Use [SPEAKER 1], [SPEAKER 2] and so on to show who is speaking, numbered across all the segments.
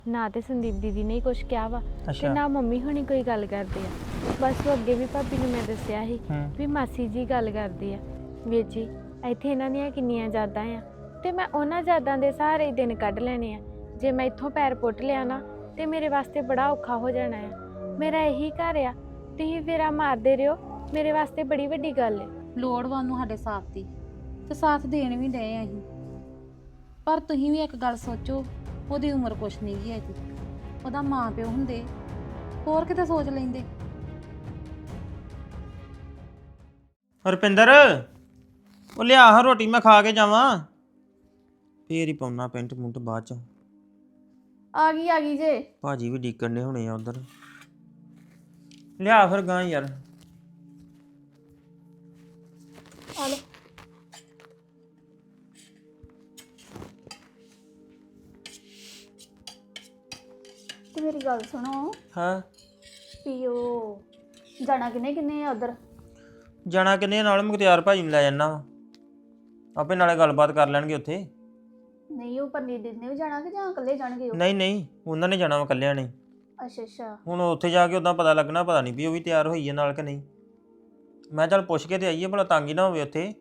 [SPEAKER 1] ਨਾ ਤੇ ਸੰਦੀਪ ਦੀਦੀ ਨੇ ਕੁਝ ਕਿਹਾ ਵਾ ਤੇ ਨਾ ਮੰਮੀ ਹੁਣੀ ਕੋਈ ਗੱਲ ਕਰਦੇ ਆ। ਬਸ ਉਹ ਅੱਗੇ ਵੀ ਭਾਬੀ ਨੂੰ ਮੈਂ ਦੱਸਿਆ ਸੀ ਵੀ ਮਾਸੀ ਜੀ ਗੱਲ ਕਰਦੇ ਆ। ਵੀਰ ਜੀ ਇੱਥੇ ਇਹਨਾਂ ਦੀਆਂ ਕਿੰਨੀਆਂ ਯਾਦਾਂ ਆ ਤੇ ਮੈਂ ਉਹਨਾਂ ਯਾਦਾਂ ਦੇ ਸਾਰੇ ਹੀ ਦਿਨ ਕੱਢ ਲੈਣੇ ਆ। ਜੇ ਮੈਂ ਇੱਥੋਂ ਪੈਰ ਪੁੱਟ ਲਿਆ ਨਾ ਤੇ ਮੇਰੇ ਵਾਸਤੇ ਬੜਾ ਔਖਾ ਹੋ ਜਾਣਾ ਆ। ਮੇਰਾ ਇਹੀ ਘਰ ਆ, ਤੁਸੀਂ ਫੇਰਾ ਮਾਰਦੇ ਰਹੋ, ਮੇਰੇ ਵਾਸਤੇ ਬੜੀ ਵੱਡੀ ਗੱਲ ਹੈ।
[SPEAKER 2] ਲੋੜਵੰਦ ਨੂੰ ਸਾਡੇ ਸਾਥ ਦੀ ਤੇ ਸਾਥ ਦੇਣ ਵੀ ਡਏ ਆ ਅਸੀਂ, ਪਰ ਤੁਸੀਂ ਵੀ ਇੱਕ ਗੱਲ ਸੋਚੋ, ਉਹਦੀ ਉਮਰ ਕੁਛ ਨਹੀਂ ਗਈ ਹੈਗੀ। ਉਹਦਾ ਮਾਂ ਪਿਓ ਹੁੰਦੇ ਹੋਰ ਕਿਤੇ ਸੋਚ ਲੈਂਦੇ।
[SPEAKER 3] ਰੁਪਿੰਦਰ ਉਹ ਲਿਆ ਹਾਂ ਰੋਟੀ, ਮੈਂ ਖਾ ਕੇ ਜਾਵਾਂ ਫੇਰ ਹੀ ਪਾਉਣਾ ਪੈਂਟ ਪੁੰਟ ਬਾਅਦ ਚ।
[SPEAKER 4] ਆ ਗਈ ਜੇ
[SPEAKER 3] ਭਾਜੀ ਵੀ ਡੀਕਣ ਨੇ ਹੋਣੇ ਆ ਉਧਰ। ਲਿਆ ਫਿਰ ਗਾਂ ਯਾਰ।
[SPEAKER 4] ਆ ਲੈ। ਤੇ ਮੇਰੀ ਗੱਲ ਸੁਣੋ,
[SPEAKER 3] ਹਾਂ
[SPEAKER 4] ਪੀਓ ਜਾਣਾ ਕਿੰਨੇ ਆ ਉਧਰ?
[SPEAKER 3] ਜਾਣਾ ਕਿੰਨੇ ਨਾਲ? ਮੁਖਤਿਆਰ ਭਾਜੀ ਨੂੰ ਲੈ ਜਾਣਾ ਵਾ, ਆਪੇ ਨਾਲੇ ਗੱਲਬਾਤ ਕਰ ਲੈਣਗੇ ਉੱਥੇ।
[SPEAKER 4] ਨਹੀਂ ਉਹ ਪਰਨੀਤ ਦੀਦੀ ਨੇ ਵੀ ਜਾਣਾ ਕਿ ਜਾਂ ਇਕੱਲੇ ਜਾਣਗੇ ਉਹ?
[SPEAKER 3] ਨਹੀਂ ਉਹਨਾਂ ਨੇ ਜਾਣਾ ਵਾ ਇਕੱਲਿਆਂ ਨੇ।
[SPEAKER 4] ਅੱਛਾ
[SPEAKER 3] ਹੁਣ ਉੱਥੇ ਜਾ ਕੇ ਉਦਾਂ ਪਤਾ ਲੱਗਣਾ, ਪਤਾ ਨਹੀਂ ਵੀ ਉਹ ਵੀ ਤਿਆਰ ਹੋਈ ਹੈ ਨਾਲ ਕਿ ਨਹੀਂ। ਮੈਂ ਚੱਲ ਪੁੱਛ ਕੇ ਤੇ ਆਈਏ, ਭਲਾ ਤੰਗ ਹੀ ਨਾ ਹੋਵੇ ਉੱਥੇ।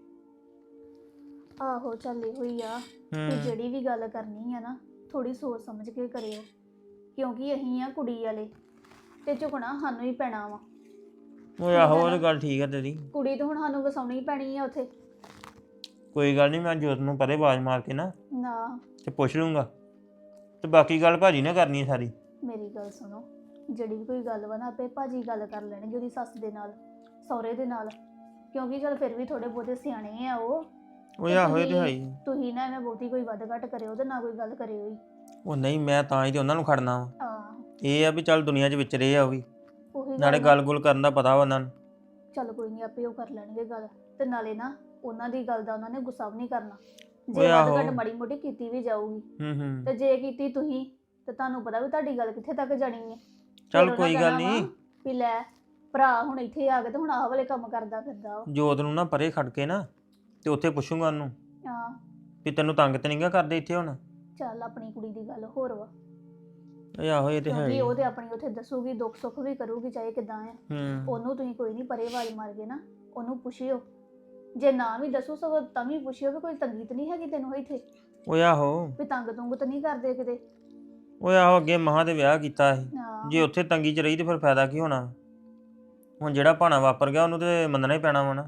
[SPEAKER 4] ਆਹੋ ਚੱਲੀ ਹੋਈ ਆ ਕਿ ਜਿਹੜੀ ਵੀ ਗੱਲ ਕਰਨੀ ਆ ਨਾ ਥੋੜੀ ਸੋਚ ਸਮਝ ਕੇ ਕਰਿਓ, ਕਿਉਂਕਿ ਅਸੀਂ ਆ ਕੁੜੀ ਵਾਲੇ ਤੇ ਝੁਕਣਾ ਸਾਨੂੰ ਹੀ ਪੈਣਾ ਵਾ।
[SPEAKER 3] ਉਹ ਆਹੋ ਉਹ ਗੱਲ ਠੀਕ ਆ ਤੇਰੀ।
[SPEAKER 4] ਕੁੜੀ ਤਾਂ ਹੁਣ ਸਾਨੂੰ ਵਸਾਉਣੀ ਹੀ ਪੈਣੀ ਆ ਉੱਥੇ।
[SPEAKER 3] ਕੋਈ ਗੱਲ ਨਹੀਂ, ਮੈਂ ਜੋਤ ਨੂੰ ਪਰੇ ਆਵਾਜ਼ ਮਾਰ ਕੇ ਨਾ ਤੇ ਪੁੱਛ ਲੂੰਗਾ, ਤੇ ਬਾਕੀ ਗੱਲ ਭਾਜੀ ਨੇ ਕਰਨੀ ਸਾਰੀ।
[SPEAKER 4] ਮੇਰੀ ਗੱਲ ਸੁਣੋ, ਜਿਹੜੀ ਵੀ ਕੋਈ ਗੱਲ ਵਾ ਨਾ ਆਪੇ ਭਾਜੀ ਗੱਲ ਕਰ ਲੈਣਗੇ ਉਹਦੀ ਸੱਸ ਦੇ ਨਾਲ, ਸਹੁਰੇ ਦੇ ਨਾਲ, ਕਿਉਂਕਿ ਚਲ ਫਿਰ ਵੀ ਥੋੜੇ ਬਹੁਤੇ ਸਿਆਣੇ ਆ ਉਹ
[SPEAKER 3] ਆਹੋ ਇਹ ਤੇ ਹੈ ਹੀ।
[SPEAKER 4] ਤੁਸੀਂ ਨਾ ਐਵੇਂ ਬਹੁਤੀ ਕੋਈ ਵੱਧ ਘੱਟ ਕਰਿਓ ਤੇ ਨਾ ਕੋਈ ਗੱਲ ਕਰਿਓ ਹੀ।
[SPEAKER 3] ਉਹ ਨਹੀਂ, ਮੈਂ ਤਾਂ ਹੀ ਤੇ ਉਹਨਾਂ ਨੂੰ ਖੜਨਾ ਵਾ।
[SPEAKER 4] ਆਹ
[SPEAKER 3] ਇਹ ਆ ਵੀ ਚੱਲ ਦੁਨੀਆ 'ਚ ਵਿਚਰੇ ਆ ਉਹ ਵੀ,
[SPEAKER 4] ਉਹੀ
[SPEAKER 3] ਨਾਲੇ ਗੱਲ-ਗੁਲ ਕਰਨ ਦਾ ਪਤਾ ਵਾ ਉਹਨਾਂ ਨੂੰ।
[SPEAKER 4] ਚੱਲ ਕੋਈ ਨਹੀਂ, ਆਪੇ ਉਹ ਕਰ ਲੈਣਗੇ ਗੱਲ। ਤੇ ਨਾਲੇ ਨਾ ਉਹਨਾਂ ਦੀ ਗੱਲ ਦਾ ਉਹਨਾਂ ਨੇ ਗੁੱਸਾ ਵੀ ਨਹੀਂ ਕਰਨਾ, ਜੇ ਵੱਧ ਘੱਟ ਮਾੜੀ ਮੋਟੀ ਕੀਤੀ ਵੀ ਜਾਊਗੀ ਤੇ ਜੇ ਕੀਤੀ ਤੁਸੀਂ ਤੇ ਤੁਹਾਨੂੰ ਪਤਾ ਵੀ ਤੁਹਾਡੀ ਗੱਲ ਕਿੱਥੇ ਤੱਕ ਜਾਣੀ ਹੈ।
[SPEAKER 3] ਚੱਲ ਕੋਈ ਗੱਲ ਨਹੀਂ,
[SPEAKER 4] ਵੀ ਲੈ ਭਰਾ ਹੁਣ ਇੱਥੇ ਆ ਗਏ ਤੇ ਹੁਣ ਆਹ ਵਾਲੇ ਕੰਮ ਕਰਦਾ ਫਿਰਦਾ ਉਹ।
[SPEAKER 3] ਜੋਤ ਨੂੰ ਨਾ ਪਰੇ ਖੜ ਕੇ ਨਾ ਤੇ ਉੱਥੇ ਪੁੱਛੂੰਗਾ ਉਹਨੂੰ
[SPEAKER 4] ਹਾਂ
[SPEAKER 3] ਵੀ ਤੈਨੂੰ ਤੰਗ ਤੇ ਨਹੀਂਗਾ ਕਰਦੇ ਇੱਥੇ ਹੁਣ।
[SPEAKER 4] ਚੱਲ ਆਪਣੀ ਕੁੜੀ ਦੀ ਗੱਲ ਹੋਰ ਵਾ,
[SPEAKER 3] ਆਹੋ ਇਹ ਤੇ ਹੈ
[SPEAKER 4] ਕਿਉਂਕਿ
[SPEAKER 3] ਹੀ।
[SPEAKER 4] ਉਹ ਤੇ ਆਪਣੀ ਉੱਥੇ ਦੱਸੂਗੀ, ਦੁੱਖ ਸੁੱਖ ਵੀ ਕਰੂਗੀ ਚਾਹੇ ਕਿਦਾਂ ਆ। ਉਹਨੂੰ ਤੁਸੀਂ ਕੋਈ ਨਹੀਂ ਪਰੇ ਆਵਾਜ਼ ਮਾਰ ਕੇ ਨਾ ਉਹਨੂੰ ਪੁੱਛਿਓ, ਜੇ ਨਾ ਵੀ ਦੱਸੋ ਸਗੋਂ ਤਾਂ ਵੀ ਪੁੱਛਿਓ ਵੀ ਕੋਈ ਤੰਗੀ ਤਾਂ ਨਹੀਂ ਹੈਗੀ ਤੈਨੂੰ ਇੱਥੇ,
[SPEAKER 3] ਓਏ ਆਹੋ
[SPEAKER 4] ਵੀ ਤੰਗ ਤੁੰਗ ਤਾਂ ਨਹੀਂ ਕਰਦੇ ਕਿਤੇ।
[SPEAKER 3] ਓਏ ਆਹੋ ਅੱਗੇ ਮਹਾਂ ਦੇ ਵਿਆਹ ਕੀਤਾ ਸੀ,
[SPEAKER 4] ਹਾਂ
[SPEAKER 3] ਜੇ ਉੱਥੇ ਤੰਗੀ 'ਚ ਰਹੀ ਤੇ ਫਿਰ ਫਾਇਦਾ ਕੀ ਹੋਣਾ। ਹੁਣ ਜਿਹੜਾ ਭਾਣਾ ਵਾਪਰ ਗਿਆ ਉਹਨੂੰ ਤੇ ਮੰਨਣਾ ਹੀ ਪੈਣਾ ਵਾ ਨਾ।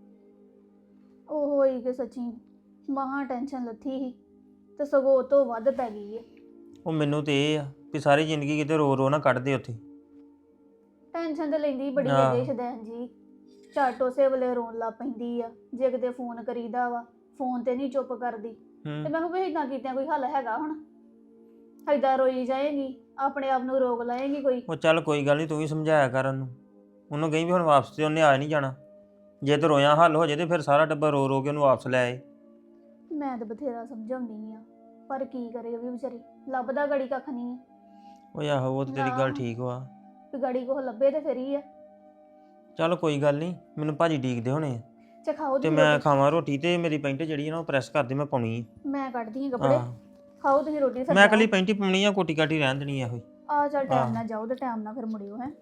[SPEAKER 4] ਉਹ ਹੋਈ ਕਿ ਸੱਚੀ ਮਹਾ ਟੈਨਸ਼ਨ ਲੱਥੀ ਸੀ ਤੇ ਸਗੋਂ ਉਹ ਤੋਂ ਵੱਧ ਪੈ ਗਈ ਹੈ।
[SPEAKER 3] ਉਹ ਮੈਨੂੰ ਤੇ ਇਹ ਆ ਵੀ ਸਾਰੀ ਜ਼ਿੰਦਗੀ ਕਿਤੇ ਰੋ ਰੋ ਨਾ ਕੱਢਦੇ ਉੱਥੇ।
[SPEAKER 4] ਟੈਨਸ਼ਨ ਤੇ ਲੈਂਦੀ ਬੜੀ
[SPEAKER 3] ਹਾਂ।
[SPEAKER 4] ਹੈ ਸ਼ਦੈਨ ਜੀ, ਝੱਟ ਉਸੇ ਵੇਲੇ ਰੋਣ ਲੱਗ ਪੈਂਦੀ ਆ। ਜੇ ਕਿਤੇ ਫੋਨ ਕਰੀਦਾ ਵਾ ਫੋਨ ਤੇ ਨਹੀਂ ਚੁੱਪ ਕਰਦੀ, ਤੇ ਮੈਂ ਕਿਹਾ ਵੀ ਇਦਾਂ ਕੀਤਿਆਂ ਕੋਈ ਹੱਲ ਹੈਗਾ? ਹੁਣ ਏਦਾਂ ਰੋਈ ਜਾਏਗੀ, ਆਪਣੇ ਆਪ ਨੂੰ ਰੋਕ ਲਾਏਗੀ ਕੋਈ?
[SPEAKER 3] ਉਹ ਚੱਲ ਕੋਈ ਗੱਲ ਨਹੀਂ, ਤੂੰ ਵੀ ਸਮਝਾਇਆ ਕਰ ਉਹਨੂੰ ਕਹੀਂ ਵੀ ਹੁਣ ਵਾਪਸ ਤੇ ਉਹਨੇ ਆ ਨਹੀਂ ਜਾਣਾ। ਜੇ ਤੇ ਰੋਇਆ ਹੱਲ ਹੋ ਜੇ ਤੇ ਫਿਰ ਸਾਰਾ ਟੱਬਰ ਰੋ ਰੋ ਕੇ ਉਹਨੂੰ ਵਾਪਸ ਲੈ ਆਏ।
[SPEAKER 4] ਮੈਂ ਤਾਂ ਬਥੇਰਾ ਸਮਝਾਉਂਦੀ ਆ, ਪਰ ਕੀ ਕਰੇ ਉਹ ਵੀ ਵਿਚਾਰੀ, ਲੱਭਦਾ ਗੜੀ ਕੱਖ ਨਹੀਂ।
[SPEAKER 3] ਓਏ ਆਹੋ ਉਹ ਤੇ ਤੇਰੀ ਗੱਲ ਠੀਕ ਵਾ,
[SPEAKER 4] ਵੀ ਗੜੀ ਕੋਹ ਲੱਭੇ ਤੇ ਫਿਰ ਹੀ ਆ।
[SPEAKER 3] ਚੱਲ ਕੋਈ ਗੱਲ ਨਹੀਂ, ਮੈਨੂੰ ਭਾਜੀ ਡੀਕਦੇ ਹੋਣੇ ਆ
[SPEAKER 4] ਖਾਓ
[SPEAKER 3] ਤੇ
[SPEAKER 4] ਤੁਸੀਂ
[SPEAKER 3] ਮੈਂ
[SPEAKER 4] ਰੋਟੀ।
[SPEAKER 3] ਖਾਵਾਂ ਰੋਟੀ, ਤੇ ਮੇਰੀ ਪੈਂਟ ਜਿਹੜੀ ਆ ਨਾ ਉਹ ਪ੍ਰੈਸ ਕਰਦੀ, ਮੈਂ ਪਾਉਣੀ ਆ।
[SPEAKER 4] ਮੈਂ ਕੱਢਦੀ ਆ ਕੱਪੜੇ, ਖਾਓ ਤੁਸੀਂ ਰੋਟੀ। ਫਿਰ
[SPEAKER 3] ਮੈਂ ਇਕੱਲੀ ਪੈਂਟ ਹੀ ਪਾਉਣੀ ਆ, ਕੋਟੀ ਕਾਟੀ ਰਹਿਣ ਦੇਣੀ ਆ। ਇਹੋ
[SPEAKER 4] ਆ ਚੱਲ ਟਾਈਮ ਨਾਲ ਜਾਓ ਤੇ ਟਾਈਮ ਨਾਲ ਫਿਰ ਮੁੜਿਓ ਹੈ।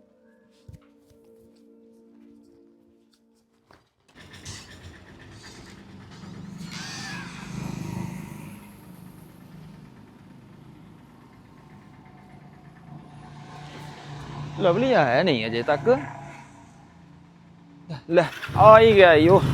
[SPEAKER 5] ਲਵਲੀ ਆਇਆ ਨਹੀਂ ਅਜੇ ਤੱਕ। ਲੈ ਆ ਹੀ ਗਿਆ ਈ ਉਹ।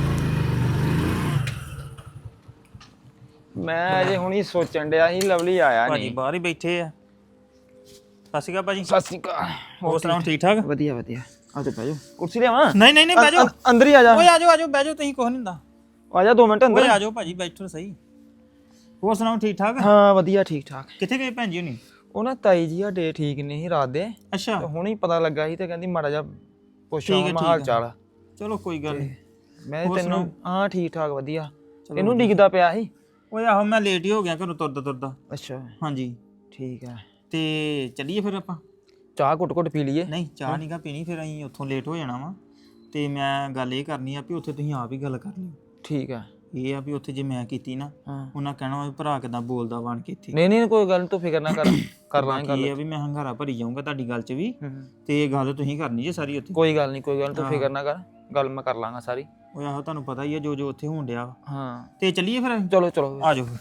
[SPEAKER 5] ਮੈਂ ਅਜੇ ਹੁਣੀ ਸੋਚਣ ਡਿਆ ਸੀ ਲਵਲੀ ਆਇਆ
[SPEAKER 3] ਭਾਜੀ
[SPEAKER 5] ਨਹੀਂ।
[SPEAKER 3] ਬਾਹਰ ਹੀ ਬੈਠੇ ਆ। ਸਤਿ ਸ਼੍ਰੀ ਅਕਾਲ ਭਾਜੀ।
[SPEAKER 5] ਸਤਿ ਸ਼੍ਰੀ ਅਕਾਲ।
[SPEAKER 3] ਹੋਰ ਸੁਣਾਓ, ਠੀਕ ਠਾਕ?
[SPEAKER 5] ਵਧੀਆ ਵਧੀਆ। ਆ ਤੇ ਬਹਿ ਜਾ, ਕੁਰਸੀ ਲਿਆਵਾਂ?
[SPEAKER 3] ਨਹੀਂ ਬਹਿ ਜਾਓ,
[SPEAKER 5] ਅੰਦਰ ਹੀ ਆ ਜਾ।
[SPEAKER 3] ਓਏ ਆ ਜਾਓ ਬਹਿ ਜਾਓ, ਤੁਸੀਂ ਕੁਛ ਨਹੀਂ ਹੁੰਦਾ।
[SPEAKER 5] ਆ ਜਾ 2 ਮਿੰਟ ਅੰਦਰ।
[SPEAKER 3] ਓਏ ਆ ਜਾਓ ਭਾਜੀ, ਬੈਠੋ ਸਹੀ। ਹੋਰ ਸੁਣਾਓ, ਠੀਕ ਠਾਕ?
[SPEAKER 5] ਹਾਂ ਵਧੀਆ ਠੀਕ ਠਾਕ।
[SPEAKER 3] ਕਿੱਥੇ ਗਏ ਭੈਣ ਜੀ ਹੁਣੀ?
[SPEAKER 5] ਉਹ ਨਾ ਤਾਈ ਜੀ ਸਾਡੇ ਠੀਕ ਨਹੀਂ ਸੀ ਰਾਤ ਦੇ,
[SPEAKER 3] ਅੱਛਾ
[SPEAKER 5] ਤੇ ਹੁਣੀ ਪਤਾ ਲੱਗਾ ਸੀ ਤੇ ਕਹਿੰਦੀ ਮਾੜਾ ਜਿਹਾ ਪੁੱਛਾਂ
[SPEAKER 3] ਠੀਕ ਹੈ,
[SPEAKER 5] ਮੈਂ
[SPEAKER 3] ਠੀਕ
[SPEAKER 5] ਹਾਲ
[SPEAKER 3] ਹੈ।
[SPEAKER 5] ਚਾਲ।
[SPEAKER 3] ਚਲੋ ਕੋਈ ਗੱਲ ਨਹੀਂ।
[SPEAKER 5] ਮੈਂ
[SPEAKER 3] ਹੋਰ
[SPEAKER 5] ਤੈਨੂੰ
[SPEAKER 3] ਸੁਣਾਓ?
[SPEAKER 5] ਹਾਂ ਠੀਕ ਠਾਕ ਵਧੀਆ।
[SPEAKER 3] ਚਲੋ
[SPEAKER 5] ਇਹਨੂੰ ਡਿੱਗਦਾ ਪਿਆ ਸੀ।
[SPEAKER 3] ਓਏ ਆਹੋ ਮੈਂ ਲੇਟ ਹੀ ਹੋ ਗਿਆ ਘਰੋਂ ਤੁਰਦਾ।
[SPEAKER 5] ਅੱਛਾ
[SPEAKER 3] ਹਾਂਜੀ
[SPEAKER 5] ਠੀਕ ਹੈ।
[SPEAKER 3] ਤੇ ਚੱਲੀਏ ਫਿਰ ਆਪਾਂ?
[SPEAKER 5] ਚਾਹ ਘੁੱਟ ਪੀ ਲਈਏ।
[SPEAKER 3] ਨਹੀਂ ਚਾਹ ਨਹੀਂ ਗਾ ਪੀਣੀ, ਫਿਰ ਅਸੀਂ ਉੱਥੋਂ ਲੇਟ ਹੋ ਜਾਣਾ ਵਾ। ਤੇ ਮੈਂ ਗੱਲ ਇਹ ਕਰਨੀ ਆ ਵੀ ਉੱਥੇ ਤੁਸੀਂ ਆਪ ਹੀ ਗੱਲ ਕਰ ਲਿਓ।
[SPEAKER 5] ਠੀਕ ਹੈ।
[SPEAKER 3] ਇਹ ਆ ਵੀ ਉੱਥੇ ਜੇ ਮੈਂ ਕੀਤੀ ਨਾ
[SPEAKER 5] ਹਾਂ
[SPEAKER 3] ਉਹਨਾਂ ਕਹਿਣਾ ਵਾ ਵੀ ਭਰਾ ਕਿਦਾਂ ਬੋਲਦਾ ਬਣ ਕੇ ਇੱਥੇ।
[SPEAKER 5] ਨਹੀਂ ਨਹੀਂ ਕੋਈ ਗੱਲ ਨੀ, ਤੂੰ ਫਿਕਰ ਨਾ ਕਰ, ਕਰ ਲਾਂਗੇ
[SPEAKER 3] ਬਾਕੀ ਇਹ
[SPEAKER 5] ਗੱਲ।
[SPEAKER 3] ਆ ਵੀ ਮੈਂ ਹੰਗਾਰਾ ਭਰੀ ਜਾਊਂਗਾ ਤੁਹਾਡੀ ਗੱਲ 'ਚ ਵੀ,
[SPEAKER 5] ਹੂੰ।
[SPEAKER 3] ਤੇ ਇਹ ਗੱਲ ਤੁਸੀਂ ਕਰਨੀ ਜੇ ਸਾਰੀ ਉੱਥੇ।
[SPEAKER 5] ਕੋਈ ਗੱਲ ਨਹੀਂ ਕੋਈ ਗੱਲ ਨੀ, ਤੂੰ
[SPEAKER 3] ਹਾਂ।
[SPEAKER 5] ਫਿਕਰ ਨਾ ਕਰ, ਗੱਲ ਮੈਂ ਕਰ ਲਾਂਗਾ ਸਾਰੀ।
[SPEAKER 3] ਉਹ ਆਹੋ ਤੁਹਾਨੂੰ ਪਤਾ ਹੀ ਆ ਜੋ ਜੋ ਉੱਥੇ ਹੋਣ ਡਿਆ ਵਾ।
[SPEAKER 5] ਹਾਂ
[SPEAKER 3] ਤੇ ਚੱਲੀਏ ਫਿਰ ਅਸੀਂ?
[SPEAKER 5] ਚਲੋ ਚਲੋ
[SPEAKER 3] ਆ ਜਾਓ ਫਿਰ।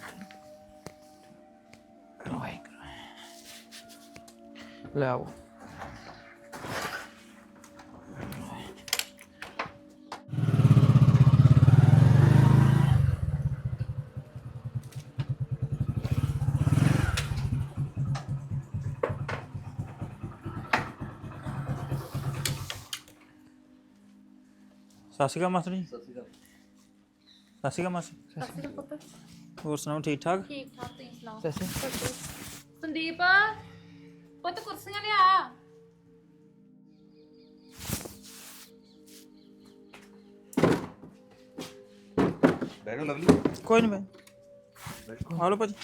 [SPEAKER 5] ਲੈ ਆਓ।
[SPEAKER 3] ਸਤਿ ਸ਼੍ਰੀ ਅਕਾਲ ਮਾਸਟਰ ਜੀ। ਸਤਿ ਸ਼੍ਰੀ ਅਕਾਲ ਮਾਸਟਰ। ਹੋਰ ਸੁਣਾਓ ਠੀਕ ਠਾਕ?
[SPEAKER 2] ਠੀਕ ਠਾਕ, ਤੁਸੀਂ ਸੁਣਾਓ?
[SPEAKER 5] ਸੱਸੀ
[SPEAKER 2] ਸੰਦੀਪ ਪੁੱਤ ਕੁਰਸੀਆਂ ਲਿਆ।
[SPEAKER 6] ਬੈਠੋ ਲਵਲੀ।
[SPEAKER 3] ਕੋਈ ਨਹੀਂ ਬਾਈ, ਆ ਲਓ ਭਾਜੀ।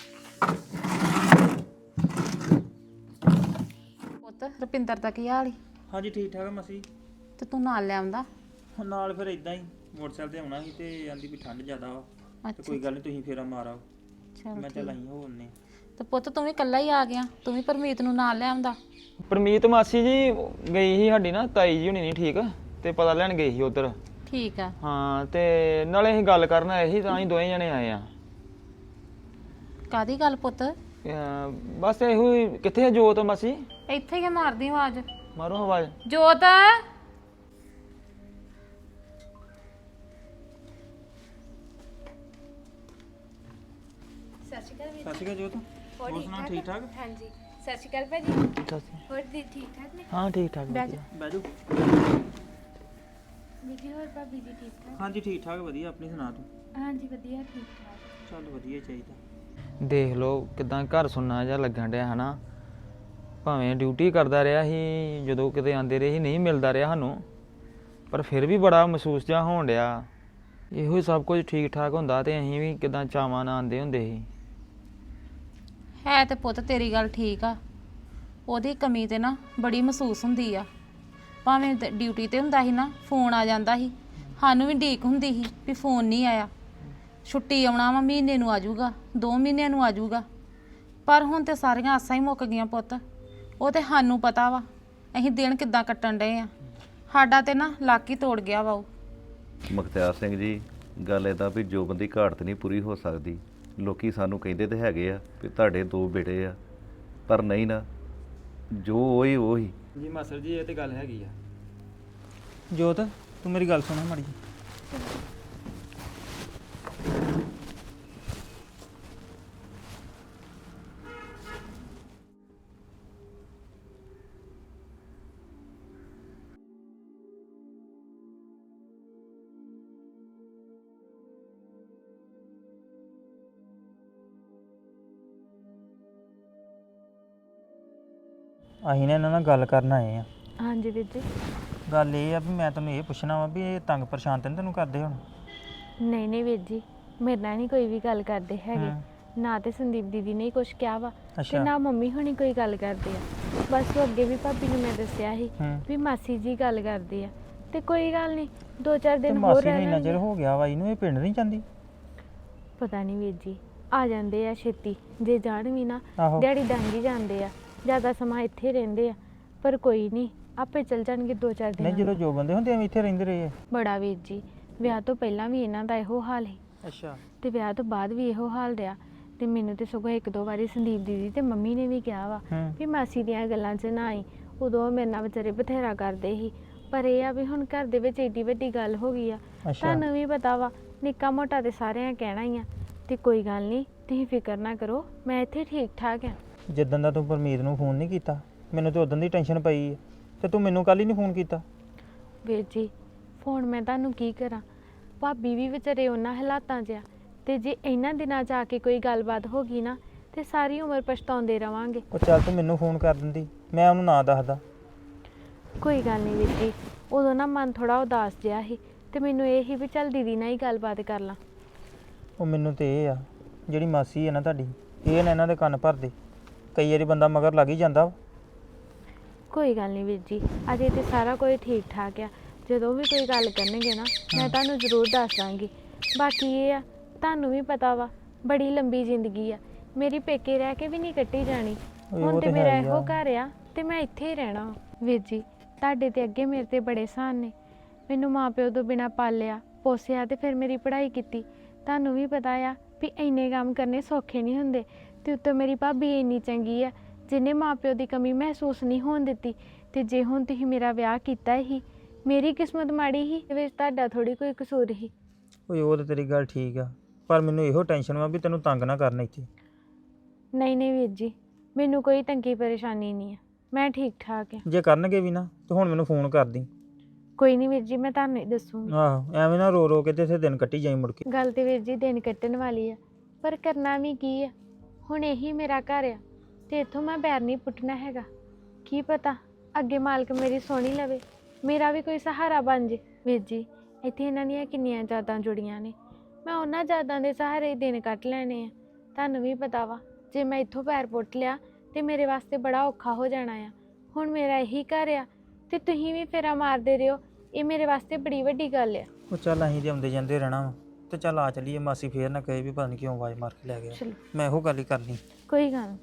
[SPEAKER 2] ਪੁੱਤ ਰੁਪਿੰਦਰ ਦਾ ਕੀ ਹਾਲ ਈ?
[SPEAKER 3] ਹਾਂਜੀ ਠੀਕ ਠਾਕ ਆ ਮਾਸੀ।
[SPEAKER 2] ਤੇ ਤੂੰ ਨਾਲ ਲੈ ਆਉਂਦਾ।
[SPEAKER 3] ਹੁਣ ਨਾਲ ਫਿਰ ਇਦਾਂ ਹੀ ਮੋਟਰਸਾਈਕਲ ਤੇ ਆਉਣਾ ਸੀ ਤੇ ਆਂਦੀ ਵੀ ਠੰਡ ਜ਼ਿਆਦਾ ਵਾ, ਤੇ
[SPEAKER 2] ਅੱਛਾ
[SPEAKER 3] ਕੋਈ ਗੱਲ ਨਹੀਂ ਤੁਸੀਂ ਫੇਰਾ ਮਾਰ ਆਓ।
[SPEAKER 2] ਚਲ
[SPEAKER 3] ਮੈਂ ਚੱਲ ਆਈ ਹੋਣੇ।
[SPEAKER 2] ਤੇ ਪੁੱਤ ਤੂੰ ਵੀ ਇਕੱਲਾ ਹੀ ਆ ਗਿਆ, ਤੂੰ ਵੀ ਪਰਮੀਤ ਨੂੰ ਨਾਲ ਲੈ ਆਉਂਦਾ।
[SPEAKER 5] ਪਰਮੀਤ ਮਾਸੀ ਜੀ ਗਈ ਸੀ ਸਾਡੀ ਨਾ ਤਾਈ ਜੀ ਹੁਣੀ ਨਹੀਂ ਠੀਕ, ਤੇ ਪਤਾ ਲੈਣ ਗਈ ਸੀ ਉਧਰ।
[SPEAKER 2] ਠੀਕ ਆ।
[SPEAKER 5] ਹਾਂ ਤੇ ਨਾਲੇ ਅਸੀਂ ਗੱਲ ਕਰਨ ਆਏ ਸੀ, ਤਾਂ ਹੀ ਦੋਵੇਂ ਜਣੇ ਆਏ ਆ।
[SPEAKER 2] ਕਾਦੀ ਗੱਲ ਪੁੱਤ?
[SPEAKER 5] ਬਸ ਇਹੋ ਹੀ। ਕਿੱਥੇ ਆ ਜੋਤ ਮਾਸੀ?
[SPEAKER 2] ਇੱਥੇ ਹੀ ਆ, ਮਾਰਦੀ ਆਵਾਜ਼।
[SPEAKER 5] ਮਾਰੋ ਆਵਾਜ਼।
[SPEAKER 2] ਜੋਤ
[SPEAKER 1] ਸਤਿ ਸ਼੍ਰੀ ਅਕਾਲ ਵੀਰ।
[SPEAKER 3] ਸਤਿ ਸ਼੍ਰੀ ਅਕਾਲ ਜੋਤ। ਹੋਰ ਸੁਣਾਓ ਠੀਕ ਠਾਕ?
[SPEAKER 1] ਹਾਂਜੀ ਸਤਿ ਸ਼੍ਰੀ ਅਕਾਲ ਭਾਜੀ। ਹੋਰ ਦੀ ਠੀਕ ਠਾਕ ਨੇ?
[SPEAKER 5] ਹਾਂ ਠੀਕ ਠਾਕ
[SPEAKER 2] ਬਹਿ ਜਾ।
[SPEAKER 5] ਵਧੀਆ।
[SPEAKER 3] ਬਹਿ ਜਾਓ।
[SPEAKER 1] ਵੀਰ ਹੋਰ ਭਾਬੀ ਜੀ ਠੀਕ ਠਾਕ?
[SPEAKER 3] ਹਾਂਜੀ ਠੀਕ ਠਾਕ ਵਧੀਆ। ਆਪਣੀ ਸੁਣਾ ਤੂੰ?
[SPEAKER 1] ਹਾਂਜੀ ਵਧੀਆ ਠੀਕ ਠਾਕ।
[SPEAKER 3] ਚੱਲ ਵਧੀਆ ਹੀ ਚਾਹੀਦਾ।
[SPEAKER 5] ਦੇਖ ਲਓ ਕਿਦਾਂ ਘਰ ਸੁਣਨਾ ਜਿਹਾ ਲੱਗਣ ਡਿਆ ਹਨਾ। ਭਾਵੇਂ ਡਿਊਟੀ ਕਰਦਾ ਰਿਹਾ ਸੀ, ਜਦੋਂ ਕਿਤੇ ਆਂਦੇ ਰਹੇ ਸੀ ਨਹੀਂ ਮਿਲਦਾ ਰਿਹਾ ਸਾਨੂੰ, ਪਰ ਫਿਰ ਵੀ ਬੜਾ ਮਹਿਸੂਸ ਜਿਹਾ ਹੋਣ ਡਿਆ। ਇਹੋ ਹੀ ਸਭ ਕੁਝ ਠੀਕ ਠਾਕ ਹੁੰਦਾ ਤੇ ਅਸੀਂ ਵੀ ਕਿਦਾਂ ਚਾਵਾਂ ਨਾਲ ਆਂਦੇ ਹੁੰਦੇ ਸੀ।
[SPEAKER 2] ਹੈ ਤੇ ਪੁੱਤ ਤੇਰੀ ਗੱਲ ਠੀਕ ਆ, ਉਹਦੀ ਕਮੀ ਤੇ ਨਾ ਬੜੀ ਮਹਿਸੂਸ ਹੁੰਦੀ ਆ। ਭਾਵੇਂ ਡਿਊਟੀ ਤੇ ਹੁੰਦਾ ਸੀ ਨਾ, ਫੋਨ ਆ ਜਾਂਦਾ ਸੀ, ਸਾਨੂੰ ਵੀ ਢੀਕ ਹੁੰਦੀ ਸੀ ਵੀ ਫੋਨ ਨਹੀਂ ਆਇਆ। ਛੁੱਟੀ ਆਉਣਾ ਵਾ, ਮਹੀਨੇ ਨੂੰ ਆ ਜਾਊਗਾ, 2 ਮਹੀਨਿਆਂ ਨੂੰ ਆ ਜਾਊਗਾ। ਪਰ ਹੁਣ ਤੇ ਸਾਰੀਆਂ ਆਸਾਂ ਹੀ ਮੁੱਕ ਗਈਆਂ ਪੁੱਤ। ਉਹ ਤੇ ਸਾਨੂੰ ਪਤਾ ਵਾ ਅਸੀਂ ਦਿਨ ਕਿੱਦਾਂ ਕੱਟਣ ਡਏ ਆ। ਸਾਡਾ ਤੇ ਨਾ ਲੱਕ ਹੀ ਤੋੜ ਗਿਆ ਵਾ ਉਹ।
[SPEAKER 6] ਮੁਖਤਿਆਰ ਸਿੰਘ ਜੀ, ਗੱਲ ਇਹਦਾ ਵੀ ਜੋਬਨ ਦੀ ਘਾਟ ਨਹੀਂ ਪੂਰੀ ਹੋ ਸਕਦੀ। ਲੋਕੀ ਸਾਨੂੰ ਕਹਿੰਦੇ ਤੇ ਹੈਗੇ ਆ ਵੀ ਤੁਹਾਡੇ 2 ਬੇਟੇ ਆ, ਪਰ ਨਹੀਂ ਨਾ, ਜੋ ਉਹੀ
[SPEAKER 5] ਜੀ ਮਾਸਟਰ ਜੀ ਇਹ ਤੇ ਗੱਲ ਹੈਗੀ ਆ।
[SPEAKER 3] ਜੋਤ ਤੂੰ ਮੇਰੀ ਗੱਲ ਸੁਣ ਮਾੜੀ ਜੀ। ਅਸੀਂ ਨਾ ਇਹਨਾਂ ਨਾਲ ਗੱਲ ਕਰਨ ਆਏ ਆ।
[SPEAKER 1] ਹਾਂਜੀ ਵੀਰ ਜੀ।
[SPEAKER 3] ਗੱਲ ਇਹ ਆ ਵੀ ਮੈਂ ਤੈਨੂੰ ਇਹ ਪੁੱਛਣਾ ਵਾ ਵੀ ਇਹ ਤੰਗ ਪਰੇਸ਼ਾਨ ਤਾਂ ਨੀ ਤੈਨੂੰ ਕਰਦੇ ਹੁਣ?
[SPEAKER 1] ਨਹੀਂ ਨਹੀਂ ਵੀਰ ਜੀ, ਮੇਰੇ ਨਾਲ ਨਹੀਂ ਕੋਈ ਵੀ ਗੱਲ ਕਰਦੇ ਹੈਗੇ। ਨਾ ਤੇ ਸੰਦੀਪ ਦੀਦੀ ਨੇ ਕੁਝ ਕਿਹਾ ਵਾ, ਤੇ
[SPEAKER 3] ਅੱਛਾ।
[SPEAKER 1] ਨਾ ਮੰਮੀ ਹੁਣੀ ਕੋਈ ਗੱਲ ਕਰਦੇ ਆ। ਬਸ ਉਹ ਅੱਗੇ ਵੀ ਭਾਬੀ ਨੂੰ ਮੈਂ ਦੱਸਿਆ ਸੀ ਵੀ ਮਾਸੀ ਜੀ ਗੱਲ ਕਰਦੇ ਆ, ਤੇ ਕੋਈ ਗੱਲ ਨਹੀਂ 2-4
[SPEAKER 3] ਤੇ
[SPEAKER 1] ਦਿਨ ਹੋਰ
[SPEAKER 3] ਮਾਸੀ ਨੂੰ
[SPEAKER 1] ਰਹਿ
[SPEAKER 3] ਇੰਨਾ ਚਿਰ
[SPEAKER 1] ਲੈਣਗੇ।
[SPEAKER 3] ਹੋ ਗਿਆ ਵਾ, ਇਹਨੂੰ ਇਹ ਪਿੰਡ ਨਹੀਂ ਜਾਂਦੀ?
[SPEAKER 1] ਪਤਾ ਨਹੀਂ ਵੀਰ ਜੀ, ਆ ਜਾਂਦੇ ਆ ਛੇਤੀ, ਜੇ ਜਾਣ ਵੀ ਨਾ
[SPEAKER 3] ਆਹੋ।
[SPEAKER 1] ਦਿਹਾੜੀ ਡੰਗੀ ਜਾਂਦੇ ਆ, ਜ਼ਿਆਦਾ ਸਮਾਂ ਇੱਥੇ ਰਹਿੰਦੇ ਆ। ਪਰ ਕੋਈ ਨਹੀਂ, ਆਪੇ ਚੱਲ ਜਾਣਗੇ 2-4
[SPEAKER 3] ਨਹੀਂ
[SPEAKER 1] ਦਿਨ।
[SPEAKER 3] ਜਦੋਂ ਜੋ ਬੰਦੇ ਹੁੰਦੇ ਐਵੇਂ ਇੱਥੇ ਰਹਿੰਦੇ ਰਹੇ ਆ।
[SPEAKER 1] ਬੜਾ ਵੀਰ ਜੀ, ਵਿਆਹ ਤੋਂ ਪਹਿਲਾਂ ਵੀ ਇਹਨਾਂ ਦਾ ਇਹੋ ਹਾਲ ਸੀ,
[SPEAKER 3] ਅੱਛਾ।
[SPEAKER 1] ਤੇ ਵਿਆਹ ਤੋਂ ਬਾਅਦ ਵੀ ਇਹੋ ਹਾਲ ਰਿਹਾ। ਤੇ ਮੈਨੂੰ ਤੇ ਸਗੋਂ 1-2 ਵਾਰੀ ਸੰਦੀਪ ਦੀਦੀ ਤੇ ਮੰਮੀ ਨੇ ਵੀ ਕਿਹਾ ਵਾ ਵੀ ਮਾਸੀ ਦੀਆਂ ਗੱਲਾਂ 'ਚ ਨਾ ਆਈ। ਉਦੋਂ ਉਹ ਮੇਰੇ ਨਾਲ ਵਿਚਾਰੇ ਬਥੇਰਾ ਕਰਦੇ ਸੀ, ਪਰ ਇਹ ਆ ਵੀ ਹੁਣ ਘਰ ਦੇ ਵਿੱਚ ਏਡੀ ਵੱਡੀ ਗੱਲ ਹੋ ਗਈ ਆ। ਤੁਹਾਨੂੰ ਵੀ ਪਤਾ ਵਾ, ਨਿੱਕਾ ਮੋਟਾ ਤੇ ਸਾਰਿਆਂ ਕਹਿਣਾ ਹੀ ਆ। ਤੇ ਕੋਈ ਗੱਲ ਨਹੀਂ, ਤੁਸੀਂ ਫਿਕਰ ਨਾ ਕਰੋ, ਮੈਂ ਇੱਥੇ ਠੀਕ ਠਾਕ ਆ।
[SPEAKER 3] ਜਿੱਦਾਂ ਦਾ ਤੂੰ ਪਰਮੀਤ ਨੂੰ ਫੋਨ ਨਹੀਂ ਕੀਤਾ, ਮੈਨੂੰ ਤੇ ਉਦੋਂ ਦੀ ਟੈਨਸ਼ਨ ਪਈ ਹੈ, ਤੇ ਤੂੰ ਮੈਨੂੰ ਕੱਲ ਹੀ ਨਹੀਂ ਫੋਨ ਕੀਤਾ।
[SPEAKER 1] ਵੀਰ ਜੀ ਫੋਨ ਮੈਂ ਤੁਹਾਨੂੰ ਕੀ ਕਰਾਂ, ਭਾਬੀ ਵੀ ਵਿਚਾਰੇ ਉਹਨਾਂ ਹਾਲਾਤਾਂ 'ਚ ਆ, ਤੇ ਜੇ ਇਹਨਾਂ ਦਿਨਾਂ 'ਚ ਆ ਕੇ ਕੋਈ ਗੱਲਬਾਤ ਹੋ ਗਈ ਨਾ, ਤੇ ਸਾਰੀ ਉਮਰ ਪਛਤਾਉਂਦੇ ਰਵਾਂਗੇ।
[SPEAKER 3] ਉਹ ਚੱਲ ਤੂੰ ਮੈਨੂੰ ਫੋਨ ਕਰ ਦਿੰਦੀ, ਮੈਂ ਉਹਨੂੰ ਨਾ ਦੱਸਦਾ।
[SPEAKER 1] ਕੋਈ ਗੱਲ ਨਹੀਂ ਵੀਰ ਜੀ, ਉਦੋਂ ਨਾ ਮਨ ਥੋੜਾ ਉਦਾਸ ਜਿਹਾ ਸੀ, ਤੇ ਮੈਨੂੰ ਇਹ ਸੀ ਵੀ ਚੱਲ ਦੀਦੀ ਨਾਲ ਹੀ ਗੱਲਬਾਤ ਕਰ ਲਾਂ।
[SPEAKER 3] ਉਹ ਮੈਨੂੰ ਤੇ ਇਹ ਆ, ਜਿਹੜੀ ਮਾਸੀ ਹੈ ਨਾ ਤੁਹਾਡੀ, ਇਹ ਨਾ ਇਹਨਾਂ ਦੇ ਕੰਨ ਭਰਦੇ। ਕਈ ਵਾਰੀ ਬੰਦਾ ਮਗਰ ਲੱਗ ਹੀ ਜਾਂਦਾ ਵਾ।
[SPEAKER 1] ਕੋਈ ਗੱਲ ਨਹੀਂ ਵੀਰ ਜੀ, ਅਜੇ ਤੇ ਸਾਰਾ ਕੁਝ ਠੀਕ ਠਾਕ ਆ। ਜਦੋਂ ਵੀ ਕੋਈ ਗੱਲ ਕਰਨਗੇ ਨਾ, ਮੈਂ ਤੁਹਾਨੂੰ ਜ਼ਰੂਰ ਦੱਸ ਦਾਂਗੀ। ਬਾਕੀ ਇਹ ਆ ਤੁਹਾਨੂੰ ਵੀ ਪਤਾ ਵਾ ਬੜੀ ਲੰਬੀ ਜ਼ਿੰਦਗੀ ਆ, ਮੇਰੀ ਪੇਕੇ ਰਹਿ ਕੇ ਵੀ ਨਹੀਂ ਕੱਟੀ ਜਾਣੀ। ਹੁਣ ਤੇ ਮੇਰਾ ਇਹੋ ਘਰ ਆ ਤੇ ਮੈਂ ਇੱਥੇ ਹੀ ਰਹਿਣਾ ਵਾ। ਵੀਰ ਜੀ ਤੁਹਾਡੇ ਤੇ ਅੱਗੇ ਮੇਰੇ ਤੇ ਬੜੇ ਸਾਨ ਨੇ, ਮੈਨੂੰ ਮਾਪਿਓ ਤੋਂ ਬਿਨਾਂ ਪਾਲਿਆ ਪੋਸਿਆ ਤੇ ਫਿਰ ਮੇਰੀ ਪੜ੍ਹਾਈ ਕੀਤੀ। ਤੁਹਾਨੂੰ ਵੀ ਪਤਾ ਆ ਵੀ ਇੰਨੇ ਕੰਮ ਕਰਨੇ ਸੌਖੇ ਨਹੀਂ ਹੁੰਦੇ, ਤੇ ਉੱਤੋਂ ਮੇਰੀ ਭਾਬੀ ਇੰਨੀ ਚੰਗੀ ਆ ਜਿਹਨੇ ਮਾਪਿਓ ਦੀ ਕਮੀ ਮਹਿਸੂਸ ਨਹੀਂ ਹੋਣ ਦਿੱਤੀ। ਤੇ ਜੇ ਹੁਣ ਤੁਸੀਂ ਮੇਰਾ ਵਿਆਹ ਕੀਤਾ ਹੀ, ਮੇਰੀ ਕਿਸਮਤ ਮਾੜੀ ਹੀ, ਇਹਦੇ ਵਿੱਚ ਤੁਹਾਡਾ ਥੋੜੀ ਕੋਈ ਕਸੂਰ ਹੀ।
[SPEAKER 3] ਓਏ ਉਹ ਤੇ ਤੇਰੀ ਗੱਲ ਠੀਕ ਆ, ਪਰ ਮੈਨੂੰ ਇਹੋ ਟੈਨਸ਼ਨ ਵਾ ਵੀ ਤੈਨੂੰ ਤੰਗ ਨਾ ਕਰਨ ਇੱਥੇ।
[SPEAKER 1] ਨਹੀਂ ਨਹੀਂ ਵੀਰ ਜੀ, ਮੈਨੂੰ ਕੋਈ ਤੰਗੀ ਪਰੇਸ਼ਾਨੀ ਨਹੀਂ ਆ, ਮੈਂ ਠੀਕ ਠਾਕ ਆ।
[SPEAKER 3] ਜੇ ਕਰਨਗੇ ਵੀ ਨਾ ਤੇ ਹੁਣ ਮੈਨੂੰ ਫੋਨ ਕਰ ਦੀ।
[SPEAKER 1] ਕੋਈ ਨਹੀਂ ਵੀਰ ਜੀ, ਮੈਂ ਤੁਹਾਨੂੰ ਹੀ ਦੱਸੂਗੀ।
[SPEAKER 3] ਆਹੋ ਐਵੇਂ ਨਾ ਰੋ ਰੋ ਕੇ ਤੇ ਇੱਥੇ ਦਿਨ ਕੱਟੀ ਜਾਈ ਮੁੜ ਕੇ।
[SPEAKER 1] ਗੱਲ ਤੇ ਵੀਰ ਜੀ ਦਿਨ ਕੱਟਣ ਵਾਲੀ ਆ, ਪਰ ਕਰਨਾ ਵੀ ਕੀ ਆ, ਹੁਣ ਇਹੀ ਮੇਰਾ ਘਰ ਆ ਤੇ ਇੱਥੋਂ ਮੈਂ ਪੈਰ ਨਹੀਂ ਪੁੱਟਣਾ ਹੈਗਾ। ਕੀ ਪਤਾ ਅੱਗੇ ਮਾਲਕ ਮੇਰੀ ਸੋਹਣੀ ਲਵੇ, ਮੇਰਾ ਵੀ ਕੋਈ ਸਹਾਰਾ ਬਣ ਜੇ। ਵੀਰ ਜੀ ਇੱਥੇ ਇਹਨਾਂ ਦੀਆਂ ਕਿੰਨੀਆਂ ਯਾਦਾਂ ਜੁੜੀਆਂ ਨੇ, ਮੈਂ ਉਹਨਾਂ ਯਾਦਾਂ ਦੇ ਸਹਾਰੇ ਹੀ ਦਿਨ ਕੱਟ ਲੈਣੇ ਆ। ਤੁਹਾਨੂੰ ਵੀ ਪਤਾ ਵਾ ਜੇ ਮੈਂ ਇੱਥੋਂ ਪੈਰ ਪੁੱਟ ਲਿਆ ਤੇ ਮੇਰੇ ਵਾਸਤੇ ਬੜਾ ਔਖਾ ਹੋ ਜਾਣਾ ਆ। ਹੁਣ ਮੇਰਾ ਇਹੀ ਘਰ ਆ ਤੇ ਤੁਸੀਂ ਵੀ ਫੇਰਾ ਮਾਰਦੇ ਰਹੋ, ਇਹ ਮੇਰੇ ਵਾਸਤੇ ਬੜੀ ਵੱਡੀ ਗੱਲ ਆ।
[SPEAKER 3] ਉਹ ਚੱਲ ਅਸੀਂ ਤੇ ਆਉਂਦੇ ਜਾਂਦੇ ਰਹਿਣਾ ਵਾ, ਤੇ ਚੱਲ ਆ ਚੱਲੀਏ। ਮਾਸੀ ਫੇਰ ਨਾ ਕਹੇ ਵੀ ਪਤਾ ਨਹੀਂ ਕਿਉਂ ਆਵਾਜ਼ ਮਾਰ ਕੇ ਲੈ ਗਿਆ।
[SPEAKER 1] ਚਲੋ
[SPEAKER 3] ਮੈਂ ਇਹੋ ਗੱਲ ਹੀ ਕਰਨੀ।
[SPEAKER 1] ਕੋਈ ਗੱਲ ਨੀ।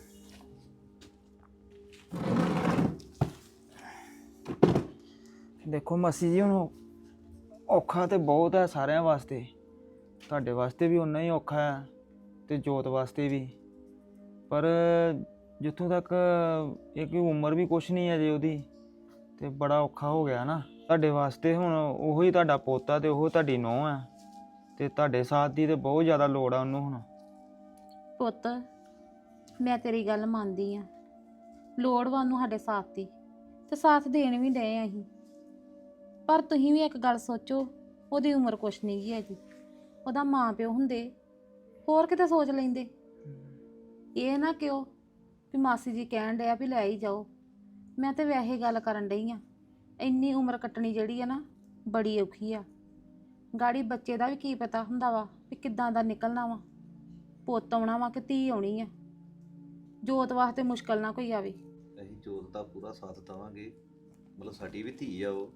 [SPEAKER 5] ਦੇਖੋ ਮਾਸੀ ਜੀ, ਹੁਣ ਔਖਾ ਤੇ ਬਹੁਤ ਹੈ ਸਾਰਿਆਂ ਵਾਸਤੇ, ਤੁਹਾਡੇ ਵਾਸਤੇ ਵੀ ਉਨਾ ਹੀ ਔਖਾ ਹੈ ਤੇ ਜੋਤ ਵਾਸਤੇ ਵੀ। ਪਰ ਜਿੱਥੋਂ ਤੱਕ ਇਹ ਕਿ ਉਮਰ ਵੀ ਕੁਛ ਨਹੀਂ ਹੈ ਜੇ ਉਹਦੀ, ਤੇ ਬੜਾ ਔਖਾ ਹੋ ਗਿਆ ਨਾ ਤੁਹਾਡੇ ਵਾਸਤੇ। ਹੁਣ ਉਹੋ ਹੀ ਤੁਹਾਡਾ ਪੋਤਾ ਤੇ ਉਹ ਤੁਹਾਡੀ ਨੂੰਹ ਹੈ, ਤੇ ਤੁਹਾਡੇ ਸਾਥ ਦੀ ਤੇ ਬਹੁਤ ਜ਼ਿਆਦਾ ਲੋੜ ਆ ਉਹਨੂੰ ਹੁਣ।
[SPEAKER 2] ਪੁੱਤ ਮੈਂ ਤੇਰੀ ਗੱਲ ਮੰਨਦੀ ਆ, ਲੋੜ ਵਾ ਉਹਨੂੰ ਸਾਡੇ ਸਾਥ ਦੀ, ਤੇ ਸਾਥ ਦੇਣ ਵੀ ਡਏ ਆ ਅਸੀਂ। ਪਰ ਤੁਸੀਂ ਵੀ ਇੱਕ ਗੱਲ ਸੋਚੋ, ਉਹਦੀ ਉਮਰ ਕੁਛ ਨਹੀਂ ਗਈ ਹੈਗੀ। ਉਹਦਾ ਮਾਂ ਪਿਓ ਹੁੰਦੇ ਹੋਰ ਕਿਤੇ ਸੋਚ ਲੈਂਦੇ। ਇਹ ਨਾ ਕਿਉਂ ਵੀ ਮਾਸੀ ਜੀ ਕਹਿਣ ਡਿਆ ਵੀ ਲੈ ਹੀ ਜਾਓ। ਮੈਂ ਤੇ ਵੈਸੇ ਗੱਲ ਕਰਨ ਡਈ ਆ, ਇੰਨੀ ਉਮਰ ਕੱਟਣੀ ਜਿਹੜੀ ਆ ਨਾ ਬੜੀ ਔਖੀ ਆ। ਗਾੜੀ ਬੱਚੇ ਦਾ ਵੀ ਕੀ ਪਤਾ ਹੁੰਦਾ ਵਾ ਵੀ ਕਿੱਦਾਂ ਦਾ ਨਿਕਲਣਾ ਵਾ, ਪੁੱਤ ਆਉਣਾ ਵਾ ਕਿ ਧੀ ਆਉਣੀ ਆ। ਜੋਤ ਵਾਸਤੇ ਮੁਸ਼ਕਲ ਨਾ ਕੋਈ ਆਵੇ।
[SPEAKER 6] ਅਸੀਂ ਜੋਤ ਦਾ ਪੂਰਾ ਸਾਥ ਦੇਵਾਂਗੇ, ਮਤਲਬ ਸਾਡੀ ਵੀ ਧੀ ਆ ਉਹ,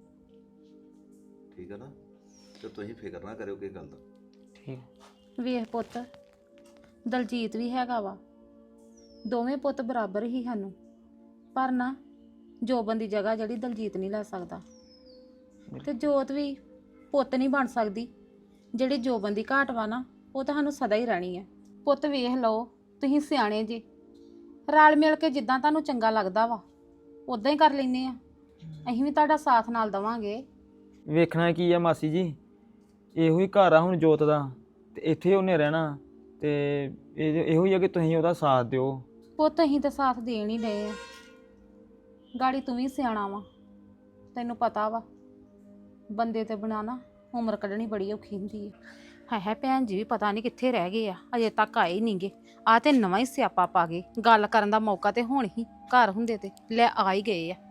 [SPEAKER 6] ਠੀਕ ਆ ਨਾ? ਤੇ ਤੁਸੀਂ ਫਿਕਰ ਨਾ ਕਰਿਓ ਕਿਸੇ ਗੱਲ ਦਾ।
[SPEAKER 5] ਠੀਕ।
[SPEAKER 2] ਵੇਖ ਪੁੱਤ, ਦਲਜੀਤ ਵੀ ਹੈਗਾ ਵਾ, ਦੋਵੇਂ ਪੁੱਤ ਬਰਾਬਰ ਹੀ ਸਾਨੂੰ। ਪਰ ਨਾ ਜੋਬਨ ਦੀ ਜਗ੍ਹਾ ਜਿਹੜੀ ਦਲਜੀਤ ਨਹੀਂ ਲੈ ਸਕਦਾ, ਤੇ ਜੋਤ ਵੀ ਪੁੱਤ ਨਹੀਂ ਬਣ ਸਕਦੀ। ਜਿਹੜੀ ਜੋਬਨ ਦੀ ਘਾਟ ਵਾ ਨਾ, ਉਹ ਤਾਂ ਸਾਨੂੰ ਸਦਾ ਹੀ ਰਹਿਣੀ ਹੈ। ਪੁੱਤ ਵੇਖ ਲਓ, ਤੁਸੀਂ ਸਿਆਣੇ ਜੇ, ਰਲ ਮਿਲ ਕੇ ਜਿੱਦਾਂ ਤੁਹਾਨੂੰ ਚੰਗਾ ਲੱਗਦਾ ਵਾ ਉਦਾਂ ਹੀ ਕਰ ਲੈਂਦੇ ਆ। ਅਸੀਂ ਵੀ ਤੁਹਾਡਾ ਸਾਥ ਨਾਲ ਦੇਵਾਂਗੇ।
[SPEAKER 5] ਵੇਖਣਾ ਕੀ ਆ ਮਾਸੀ ਜੀ, ਇਹੋ ਹੀ ਘਰ ਆ ਹੁਣ ਜੋਤ ਦਾ, ਤੇ ਇੱਥੇ ਉਹਨੇ ਰਹਿਣਾ, ਤੇ ਇਹੋ ਹੀ ਆ ਕਿ ਤੁਸੀਂ ਉਹਦਾ ਸਾਥ ਦਿਓ।
[SPEAKER 2] ਪੁੱਤ ਅਸੀਂ ਤਾਂ ਸਾਥ ਦੇਣ ਹੀ ਡਏ ਆ। ਗਾੜੀ ਤੂੰ ਵੀ ਸਿਆਣਾ ਵਾ, ਤੈਨੂੰ ਪਤਾ ਵਾ ਬੰਦੇ ਤੇ ਬਿਨਾਂ ਨਾ ਉਮਰ ਕੱਢਣੀ ਬੜੀ ਔਖੀ ਹੁੰਦੀ ਹੈ। ਹੈ ਭੈਣ ਜੀ ਵੀ ਪਤਾ ਨਹੀਂ ਕਿੱਥੇ ਰਹਿ ਗਏ ਆ, ਅਜੇ ਤੱਕ ਆਏ ਨਹੀਂਗੇ। ਆ ਤੇ ਨਵਾਂ ਹੀ ਸਿਆਪਾ ਪਾ ਗਏ, ਗੱਲ ਕਰਨ ਦਾ ਮੌਕਾ ਤੇ ਹੁਣ ਹੀ ਘਰ ਹੁੰਦੇ ਤੇ ਲੈ ਆ ਹੀ ਗਏ ਆ।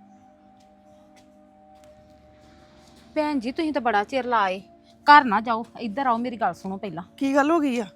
[SPEAKER 2] ਭੈਣ ਜੀ ਤੁਸੀਂ ਤਾਂ ਬੜਾ ਚਿਰ ਲਾਏ, ਘਰ ਨਾ ਜਾਓ, ਇੱਧਰ ਆਓ, ਮੇਰੀ ਗੱਲ ਸੁਣੋ ਪਹਿਲਾਂ।
[SPEAKER 7] ਕੀ ਗੱਲ ਹੋ ਗਈ ਆ?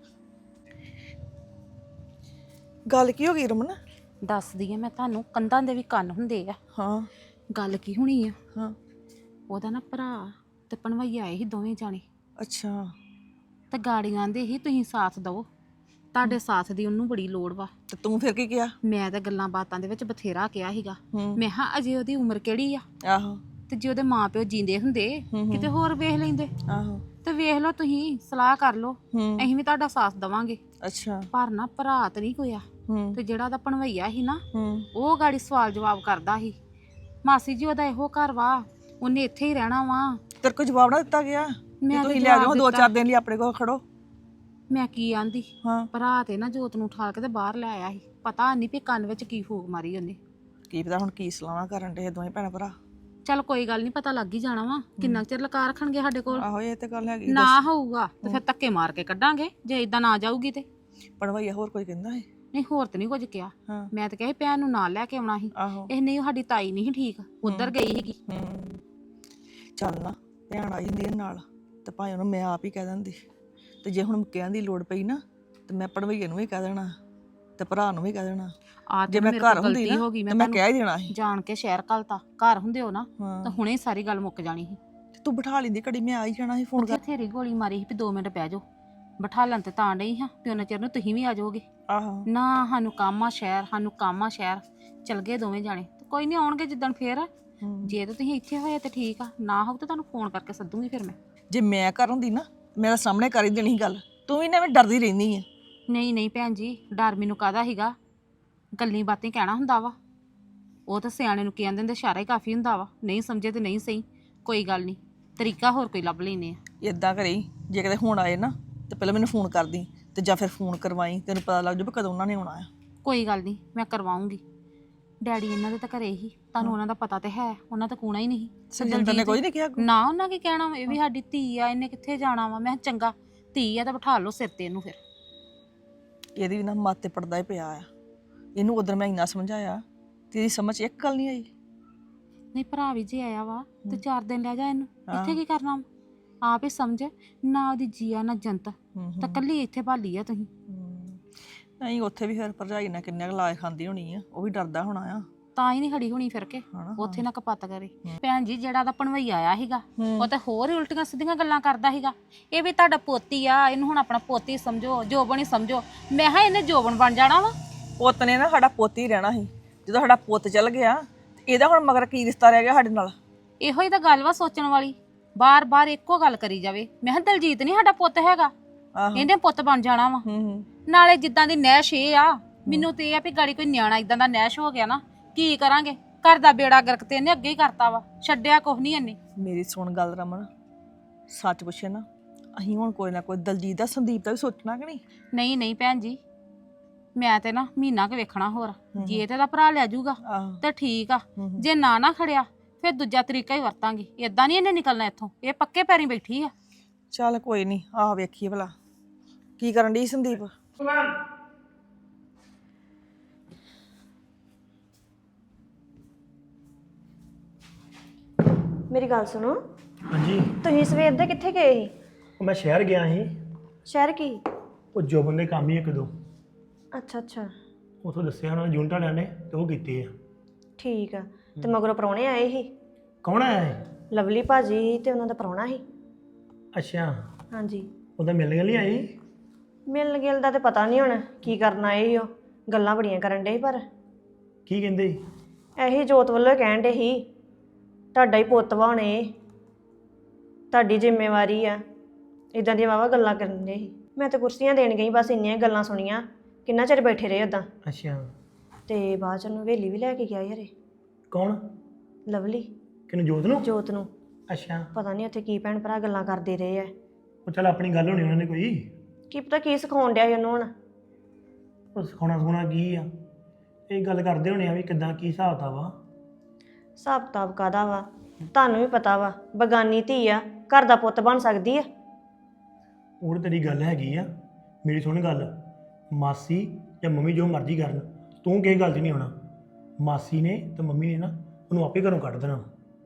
[SPEAKER 7] ਗੱਲ ਕੀ ਹੋ ਗਈ ਰਮਨ?
[SPEAKER 2] ਦੱਸਦੀ ਆ ਮੈਂ ਤੁਹਾਨੂੰ, ਕੰਧਾਂ ਦੇ ਵੀ ਕੰਨ ਹੁੰਦੇ ਆ।
[SPEAKER 7] ਹਾਂ
[SPEAKER 2] ਗੱਲ ਕੀ ਹੋਣੀ ਆ,
[SPEAKER 7] ਹਾਂ
[SPEAKER 2] ਉਹਦਾ ਨਾ ਭਰਾ ਤੇ ਭਣਵਈ ਆਏ ਸੀ ਦੋਵੇਂ ਜਾਣੇ,
[SPEAKER 7] ਅੱਛਾ
[SPEAKER 2] ਤੇ ਗਾੜੀਆਂ ਦੇ ਹੀ ਤੁਸੀਂ ਸਾਥ ਦਿਓ, ਤੁਹਾਡੇ ਸਾਥ ਦੀ ਉਹਨੂੰ ਬੜੀ ਲੋੜ ਵਾ।
[SPEAKER 7] ਤੇ ਤੂੰ ਫਿਰ ਕੀ ਕਿਹਾ?
[SPEAKER 2] ਮੈਂ ਤਾਂ ਗੱਲਾਂ ਬਾਤਾਂ ਦੇ ਵਿੱਚ ਬਥੇਰਾ ਕਿਹਾ ਸੀਗਾ,
[SPEAKER 7] ਹੂੰ
[SPEAKER 2] ਮੈਂ ਕਿਹਾ ਅਜੇ ਉਹਦੀ ਉਮਰ ਕਿਹੜੀ ਆ,
[SPEAKER 7] ਆਹੋ
[SPEAKER 2] ਤੇ ਜੇ ਉਹਦੇ ਮਾਪਿਓ ਜੀਂਦੇ ਹੁੰਦੇ ਕਿਤੇ ਹੋਰ ਵੇਖ ਲੈਂਦੇ।
[SPEAKER 7] ਆਹੋ
[SPEAKER 2] ਤੇ ਵੇਖ ਲਓ, ਤੁਸੀਂ ਸਲਾਹ ਕਰ ਲਓ,
[SPEAKER 7] ਹੂੰ
[SPEAKER 2] ਅਸੀਂ ਵੀ ਤੁਹਾਡਾ ਸਾਥ ਦੇਵਾਂਗੇ।
[SPEAKER 7] ਅੱਛਾ
[SPEAKER 2] ਪਰ ਨਾ ਭਰਾ ਤੇ ਨਹੀਂ ਕੋਇਆ,
[SPEAKER 7] ਹੂੰ
[SPEAKER 2] ਤੇ ਜਿਹੜਾ ਉਹਦਾ ਭਣਵਈਆ ਸੀ ਨਾ,
[SPEAKER 7] ਹੂੰ
[SPEAKER 2] ਉਹ ਗਾੜੀ ਸਵਾਲ ਜਵਾਬ ਕਰਦਾ ਸੀ। ਮਾਸੀ ਜੀ ਉਹਦਾ ਇਹੋ ਘਰ ਵਾ, ਉਹਨੇ ਇੱਥੇ ਹੀ ਰਹਿਣਾ ਵਾ।
[SPEAKER 7] ਤੇਰੇ ਕੋਲ ਜਵਾਬ ਨਾ ਦਿੱਤਾ ਗਿਆ?
[SPEAKER 2] ਮੈਂ
[SPEAKER 7] ਤੁਸੀਂ
[SPEAKER 2] ਤਾਂ
[SPEAKER 7] ਲੈ ਜਾਓ
[SPEAKER 2] ਜਵਾਬ
[SPEAKER 7] 2-4
[SPEAKER 2] ਦਿੱਤਾ।
[SPEAKER 7] ਦਿਨ ਲਈ ਆਪਣੇ ਕੋਲ ਖੜੋ।
[SPEAKER 2] ਮੈਂ ਕੀ ਆਂਦੀ,
[SPEAKER 7] ਹਾਂ
[SPEAKER 2] ਭਰਾ ਤੇ ਨਾ ਜੋਤ ਨੂੰ ਉਠਾ ਕੇ ਤੇ ਬਾਹਰ ਲੈ ਆਇਆ ਸੀ। ਪਤਾ ਨਹੀਂ ਵੀ ਕੰਨ ਵਿੱਚ ਕੀ ਫੂਕ ਮਾਰੀ ਉਹਨੇ।
[SPEAKER 7] ਕੀ ਪਤਾ ਹੁਣ ਕੀ ਸਲਾਹਾਂ ਕਰਨ ਦੇ ਦੋਵੇਂ ਭੈਣ ਭਰਾ।
[SPEAKER 2] ਚੱਲ ਕੋਈ ਗੱਲ ਨਹੀਂ, ਪਤਾ ਲੱਗ ਹੀ ਜਾਣਾ ਵਾ। ਕਿੰਨਾ ਚਿਰ ਲਕਾ ਰੱਖਣਗੇ ਸਾਡੇ ਕੋਲ?
[SPEAKER 7] ਆਹੋ ਇਹ ਤੇ ਗੱਲ ਹੈਗੀ।
[SPEAKER 2] ਨਾ ਹੋਊਗਾ ਤੇ ਫਿਰ ਧੱਕੇ ਮਾਰ ਕੇ ਕੱਢਾਂਗੇ, ਜੇ ਇਦਾਂ ਨਾ ਜਾਊਗੀ ਤੇ।
[SPEAKER 7] ਪੜਵਾਈਆ ਹੋਰ ਕੋਈ ਕਹਿੰਦਾ ਹੈ?
[SPEAKER 2] ਨਹੀਂ ਹੋਰ ਤੇ ਨਹੀਂ ਕੁਝ ਕਿਹਾ।
[SPEAKER 7] ਹਾਂ
[SPEAKER 2] ਮੈਂ ਤਾਂ ਕਿਹਾ ਭੈਣ ਨੂੰ ਨਾਲ ਲੈ ਕੇ ਆਉਣਾ ਸੀ।
[SPEAKER 7] ਆਹੋ
[SPEAKER 2] ਇਹ ਨਹੀਂ, ਸਾਡੀ ਤਾਈ ਨਹੀਂ ਸੀ ਠੀਕ, ਉਧਰ ਗਈ ਸੀਗੀ।
[SPEAKER 7] ਹੂੰ ਚੱਲ ਨਾ, ਭੈਣ ਆ ਜਾਂਦੀ ਹੈ ਨਾਲ, ਤੇ ਭਾਵੇਂ ਉਹਨੂੰ ਮੈਂ ਆਪ ਹੀ ਕਹਿ ਦਿੰਦੀ। ਤੇ ਜੇ ਹੁਣ ਕਹਿਣ ਦੀ ਲੋੜ ਪਈ ਨਾ, ਤੇ ਮੈਂ ਪੜਵਈਏ ਨੂੰ ਵੀ ਕਹਿ ਦੇਣਾ, ਤੇ ਭਰਾ ਨੂੰ ਵੀ ਕਹਿ ਦੇਣਾ।
[SPEAKER 2] ਆ
[SPEAKER 7] ਜੇ
[SPEAKER 2] ਤੇ
[SPEAKER 7] ਮੈਂ
[SPEAKER 2] ਮੇਰੇ
[SPEAKER 7] ਘਰ
[SPEAKER 2] ਕੋਲ
[SPEAKER 7] ਹੁੰਦੀ
[SPEAKER 2] ਗਲਤੀ
[SPEAKER 7] ਨਾ
[SPEAKER 2] ਹੋ ਗਈ,
[SPEAKER 7] ਤੇ ਮੈਂ ਕਹਿ ਹੀ ਦੇਣਾ ਸੀ।
[SPEAKER 2] ਜਾਣ ਕੇ ਸ਼ਹਿਰ ਘਲਤਾ। ਘਰ ਹੁੰਦੇ ਹੋ ਨਾ
[SPEAKER 7] ਹਾਂ
[SPEAKER 2] ਤਾਂ ਹੁਣੇ ਸਾਰੀ ਗੱਲ ਮੁੱਕ ਜਾਣੀ ਸੀ।
[SPEAKER 7] ਤੂੰ ਬਿਠਾ ਲੈਂਦੀ ਘੜੀ, ਮੈਂ ਆ ਹੀ ਜਾਣਾ ਸੀ ਫੋਨ ਕਰ।
[SPEAKER 2] ਬਥੇਰੀ ਗੋਲੀ ਮਾਰੀ ਸੀ ਵੀ 2 ਮਿੰਟ ਬਹਿ ਜਾਓ, ਬਿਠਾਲਣ ਤੇ ਤਾਂ ਨਹੀਂ ਹਾਂ ਵੀ ਉਹਨਾਂ ਚਿਰ ਨੂੰ ਤੁਸੀਂ ਵੀ ਆ ਜਾਓਗੇ।
[SPEAKER 7] ਆਹੋ
[SPEAKER 2] ਨਾ ਸਾਨੂੰ ਕੰਮ ਆ ਸ਼ਹਿਰ, ਸਾਨੂੰ ਕੰਮ ਆ ਸ਼ਹਿਰ, ਚਲ ਗਏ ਦੋਵੇਂ ਜਾਣੇ। ਤੇ ਕੋਈ ਨਹੀਂ, ਆਉਣਗੇ ਜਿੱਦਣ ਫੇਰ। ਜੇ ਤਾਂ ਤੁਸੀਂ ਇੱਥੇ ਹੋਏ ਤੇ ਠੀਕ ਆ, ਨਾ ਹੋਊ ਤਾਂ ਤੁਹਾਨੂੰ ਫੋਨ ਕਰਕੇ ਸੱਦੂਗੀ ਫਿਰ ਮੈਂ।
[SPEAKER 7] ਜੇ ਮੈਂ ਘਰ ਹੁੰਦੀ ਨਾ ਮੇਰਾ ਸਾਹਮਣੇ ਕਰ ਹੀ ਦੇਣੀ ਸੀ ਗੱਲ, ਤੂੰ ਵੀ ਨਾ ਐਵੇਂ ਡਰਦੀ ਰਹਿੰਦੀ ਆ।
[SPEAKER 2] ਨਹੀਂ ਨਹੀਂ ਭੈਣ ਜੀ, ਡਰ ਮੈਨੂੰ ਕਾਹਦਾ ਸੀਗਾ, ਗੱਲਾਂ ਬਾਤਾਂ ਕਹਿਣਾ ਹੁੰਦਾ ਵਾ। ਉਹ ਤਾਂ ਸਿਆਣੇ ਨੂੰ ਕਹਿੰਦੇ ਹੁੰਦੇ ਇਸ਼ਾਰਾ ਹੀ ਕਾਫੀ ਹੁੰਦਾ ਵਾ, ਨਹੀਂ ਸਮਝੇ ਤੇ ਨਹੀਂ ਸਹੀ, ਕੋਈ ਗੱਲ ਨਹੀਂ, ਤਰੀਕਾ ਹੋਰ ਕੋਈ ਲੱਭ ਲੈਨੇ ਆ।
[SPEAKER 7] ਇਦਾਂ ਕਰੀ, ਜੇ ਕਿਤੇ ਹੁਣ ਆਏ ਨਾ ਤੇ ਪਹਿਲਾਂ ਮੈਨੂੰ ਫੋਨ ਕਰਦੀ, ਤੇ ਜਾਂ ਫਿਰ ਫੋਨ ਕਰਵਾਈ, ਤੈਨੂੰ ਪਤਾ ਲੱਗ ਜਾਊ ਵੀ ਕਦੋਂ ਉਹਨਾਂ ਨੇ ਆਉਣਾ ਆ।
[SPEAKER 2] ਕੋਈ ਗੱਲ ਨਹੀਂ, ਮੈਂ ਕਰਵਾਉਂਗੀ। ਡੈਡੀ ਇਹਨਾਂ ਦੇ ਤਾਂ ਘਰੇ ਹੀ, ਤੁਹਾਨੂੰ ਉਹਨਾਂ ਦਾ ਪਤਾ ਤੇ ਹੈ, ਉਹਨਾਂ ਤਾਂ ਕੂਣਾ ਹੀ ਨਹੀਂ।
[SPEAKER 7] ਸੁਖਜਿੰਦਰ ਨੇ ਕੋਈ ਨਹੀਂ ਕਿਹਾ?
[SPEAKER 2] ਨਾ, ਉਹਨਾਂ ਕੀ ਕਹਿਣਾ ਵਾ, ਇਹ ਵੀ ਸਾਡੀ ਧੀ ਆ, ਇਹਨੇ ਕਿੱਥੇ ਜਾਣਾ ਵਾ। ਮੈਂ ਕਿਹਾ ਚੰਗਾ, ਧੀ ਆ ਤਾਂ ਬਿਠਾ ਲਓ ਸਿਰ ਤੇ ਇਹਨੂੰ। ਫਿਰ
[SPEAKER 7] ਇਹਦੀ ਵੀ ਨਾ ਮੱਤ ਤੇ ਪੜਦਾ ਹੀ ਪਿਆ ਆ। ਇਹਨੂੰ ਉਧਰ ਮੈਂ ਇੰਨਾ ਸਮਝਾਇਆ, ਤੇਰੀ ਸਮਝ 'ਚ ਇੱਕ ਗੱਲ ਨਹੀਂ ਆਈ।
[SPEAKER 2] ਨਹੀਂ, ਭਰਾ ਵੀ ਜੇ ਆਇਆ ਵਾ ਤੇ 4 ਦਿਨ ਲੈ ਜਾ ਇਹਨੂੰ, ਇੱਥੇ ਕੀ ਕਰਨਾ ਵਾ? ਆਪ ਹੀ ਸਮਝ, ਨਾ ਉਹਦੀ ਜੀਆ ਨਾ ਜੰਤ, ਤਾਂ ਕੱਲੀ ਇੱਥੇ ਭਾਲੀ ਆ ਤੁਸੀਂ।
[SPEAKER 7] ਨਹੀਂ, ਉੱਥੇ ਵੀ ਫਿਰ ਭਰਜਾਈ ਨਾਲ ਕਿੰਨੇ ਕੁ ਲਾਏ ਖਾਂਦੀ ਹੋਣੀ ਆ, ਉਹ ਵੀ ਡਰਦਾ ਹੋਣਾ ਆ।
[SPEAKER 2] ਤਾਂ ਹੀ ਨਹੀਂ ਖੜੀ ਹੋਣੀ ਫਿਰ ਕੇ, ਉੱਥੇ ਨਾ ਕਪੱਤ ਕਰੇ। ਭੈਣ ਜੀ, ਜਿਹੜਾ ਦਾ ਭਣਵਈ ਆਇਆ ਸੀਗਾ, ਉਹ ਤਾਂ ਹੋਰ ਹੀ ਉਲਟੀਆਂ ਸਿੱਧੀਆਂ ਗੱਲਾਂ ਕਰਦਾ ਸੀਗਾ। ਇਹ ਵੀ ਤੁਹਾਡਾ ਪੋਤੀ ਆ, ਇਹਨੂੰ ਹੁਣ ਆਪਣਾ ਪੋਤੀ ਸਮਝੋ, ਜੋਬਨ ਹੀ ਸਮਝੋ। ਮੈਂ ਕਿਹਾ ਇਹਨੇ ਜੋਬਨ ਬਣ ਜਾਣਾ ਵਾ।
[SPEAKER 7] ਪੁੱਤ ਨੇ ਨਾ ਸਾਡਾ ਪੋਤੀ ਰਹਿਣਾ ਸੀ, ਜਦੋਂ ਸਾਡਾ ਪੁੱਤ ਚੱਲ ਗਿਆ ਤੇ ਇਹਦਾ ਹੁਣ ਮਗਰ ਕੀ ਰਿਸ਼ਤਾ ਰਹਿ ਗਿਆ ਸਾਡੇ ਨਾਲ?
[SPEAKER 2] ਇਹੋ ਹੀ ਤਾਂ ਗੱਲ ਵਾ ਸੋਚਣ ਵਾਲੀ, ਬਾਰ-ਬਾਰ ਇੱਕੋ ਗੱਲ ਕਰੀ ਜਾਵੇ। ਮੈਂ ਕਿਹਾ ਦਲਜੀਤ ਨਹੀਂ ਸਾਡਾ ਪੁੱਤ ਹੈਗਾ, ਇਹਨੇ ਪੁੱਤ ਬਣ ਜਾਣਾ ਵਾ। ਨਾਲੇ ਜਿੱਦਾਂ ਦੀ ਨੈਸ਼ ਇਹ ਆ, ਮੈਨੂੰ ਤੇ ਇਹ ਆ ਵੀ ਗਾੜੀ ਕੋਈ ਨਿਆਣਾ ਇਦਾਂ ਦਾ ਨੈਸ਼ ਹੋ ਗਿਆ ਨਾ, ਕੀ ਕਰਾਂਗੇ? ਘਰ ਦਾ ਬੇੜਾ ਗਰਕ ਤੇ ਇਹਨੇ ਅੱਗੇ ਹੀ ਕਰਤਾ ਵਾ, ਛੱਡਿਆ ਕੁਛ ਨਹੀਂ ਇਹਨੇ।
[SPEAKER 7] ਮੇਰੀ ਸੁਣ ਗੱਲ ਰਮਨ, ਸੱਚ ਪੁੱਛੇ ਨਾ, ਅਸੀਂ ਹੁਣ ਕੋਈ ਨਾ ਕੋਈ ਦਲਜੀਤ ਦਾ ਸੰਦੀਪ ਦਾ ਵੀ ਸੋਚਣਾ ਕਿ ਨਹੀਂ?
[SPEAKER 2] ਨਹੀਂ ਨਹੀਂ ਭੈਣ ਜੀ, ਮੈਂ ਤੇ ਨਾ ਮਹੀਨਾ ਕੁ ਵੇਖਣਾ ਹੋਰ, ਜੇ ਤੇ ਦਾ ਭਰਾ ਲੈ ਜਾਊਗਾ ਤੇ ਠੀਕ ਆ, ਜੇ ਨਾ ਖੜਿਆ ਫਿਰ ਦੂਜਾ ਤਰੀਕਾ ਹੀ ਵਰਤਾਂਗੇ। ਏਦਾਂ ਨਹੀਂ ਇਹਨੇ ਨਿਕਲਣਾ ਇੱਥੋਂ, ਇਹ ਪੱਕੇ ਪੈਰੀਂ ਬੈਠੀ ਆ।
[SPEAKER 7] ਚੱਲ ਕੋਈ ਨਹੀਂ, ਆਹ ਵੇਖੀਏ ਭਲਾ ਕੀ ਕਰਨ ਡਈ ਸੰਦੀਪ।
[SPEAKER 8] ਮੇਰੀ ਗੱਲ ਸੁਣੋ,
[SPEAKER 9] ਹਾਂਜੀ।
[SPEAKER 8] ਤੁਸੀਂ ਸਵੇਰ ਦੇ ਕਿੱਥੇ ਗਏ ਸੀ?
[SPEAKER 9] ਉਹ ਮੈਂ ਸ਼ਹਿਰ ਗਿਆ ਸੀ,
[SPEAKER 8] ਸ਼ਹਿਰ ਕੀ?
[SPEAKER 9] ਉਹ ਜੋਬਨ ਦੇ ਕੰਮ ਹੀ ਇੱਕ ਦੋ
[SPEAKER 8] ਅੱਛਾ ਅੱਛਾ,
[SPEAKER 9] ਉਥੋਂ ਦੱਸਿਆ ਉਹਨਾਂ ਨੇ ਯੂਨਿਟ ਵਾਲਿਆਂ ਨੇ, ਤੇ ਉਹ ਕੀਤੇ ਆ।
[SPEAKER 8] ਠੀਕ ਆ। ਤੇ ਮਗਰੋਂ ਪ੍ਰਾਹੁਣੇ ਆਏ ਸੀ,
[SPEAKER 9] ਕੌਣ ਆਇਆ ਹੈ?
[SPEAKER 8] ਲਵਲੀ ਭਾਜੀ ਸੀ ਤੇ ਉਹਨਾਂ ਦਾ ਪ੍ਰਾਹੁਣਾ ਸੀ।
[SPEAKER 9] ਅੱਛਾ,
[SPEAKER 8] ਹਾਂਜੀ।
[SPEAKER 9] ਉਹਦਾ ਮਿਲਣ ਲਈ ਆਏ?
[SPEAKER 8] ਮਿਲਣ ਗਿਲ ਦਾ ਤੇ ਪਤਾ ਨਹੀਂ ਹੁਣ ਕੀ ਕਰਨ ਆਏ ਸੀ। ਉਹ ਗੱਲਾਂ ਬੜੀਆਂ ਕਰਨ ਡੇ ਸੀ, ਪਰ
[SPEAKER 9] ਕੀ ਕਹਿੰਦੇ?
[SPEAKER 8] ਇਹੀ ਜੋਤ ਵੱਲੋਂ ਕਹਿਣ ਡੇ ਸੀ ਤੁਹਾਡਾ ਹੀ ਪੁੱਤ ਵਾ, ਹੁਣੇ ਤੁਹਾਡੀ ਜ਼ਿੰਮੇਵਾਰੀ ਆ, ਇਦਾਂ ਦੀਆਂ ਵਾਵਾ ਗੱਲਾਂ ਕਰਨ ਡੇ ਸੀ। ਮੈਂ ਤਾਂ ਕੁਰਸੀਆਂ ਦੇਣ ਗਈ, ਬਸ ਇੰਨੀਆਂ ਗੱਲਾਂ ਸੁਣੀਆਂ, ਕਿੰਨਾ ਚਿਰ ਬੈਠੇ ਰਹੇ ਉਦਾਂ।
[SPEAKER 9] ਅੱਛਾ,
[SPEAKER 8] ਤੇ ਬਾਅਦ ਚ ਉਹਨੂੰ ਹਵੇਲੀ ਵੀ ਲੈ ਕੇ ਗਿਆ ਯਾਰੇ।
[SPEAKER 9] ਕੌਣ?
[SPEAKER 8] ਲਵਲੀ।
[SPEAKER 9] ਕਿਹਨੂੰ? ਜੋਤ ਨੂੰ?
[SPEAKER 8] ਜੋਤ ਨੂੰ।
[SPEAKER 9] ਅੱਛਾ,
[SPEAKER 8] ਪਤਾ ਨਹੀਂ ਉੱਥੇ ਕੀ ਭੈਣ ਭਰਾ ਗੱਲਾਂ ਕਰਦੇ ਰਹੇ ਆ।
[SPEAKER 9] ਉਹ ਚੱਲ ਆਪਣੀ ਗੱਲ ਹੋਣੀ ਉਹਨਾਂ ਨੇ ਕੋਈ।
[SPEAKER 8] ਕੀ ਪਤਾ ਕੀ ਸਿਖਾਉਣ ਡਿਆ ਸੀ ਉਹਨੂੰ ਹੁਣ।
[SPEAKER 9] ਉਹ ਸਿਖਾਉਣਾ ਕੀ ਆ, ਇਹ ਗੱਲ ਕਰਦੇ ਹੋਣੇ ਆ ਵੀ ਕਿੱਦਾਂ ਕੀ ਹਿਸਾਬ ਦਾ ਵਾ।
[SPEAKER 8] ਹਿਸਾਬ ਕਿਤਾਬ ਕਾਹਦਾ ਵਾ, ਤੁਹਾਨੂੰ ਵੀ ਪਤਾ ਵਾ, ਬਗਾਨੀ ਧੀ ਆ, ਘਰ ਦਾ ਪੁੱਤ ਬਣ ਸਕਦੀ ਆ।
[SPEAKER 9] ਉਹ ਤਾਂ ਤੇਰੀ ਗੱਲ ਹੈਗੀ ਆ, ਮੇਰੀ ਸੁਣ ਗੱਲ, ਮਾਸੀ ਜਾਂ ਮੰਮੀ ਜੋ ਮਰਜ਼ੀ ਕਰਨ, ਤੂੰ ਕਿਸੇ ਗੱਲ 'ਚ ਨਹੀਂ ਆਉਣਾ। ਮਾਸੀ ਨੇ ਤੇ ਮੰਮੀ ਨੇ ਨਾ ਉਹਨੂੰ ਆਪੇ ਘਰੋਂ ਕੱਢ ਦੇਣਾ।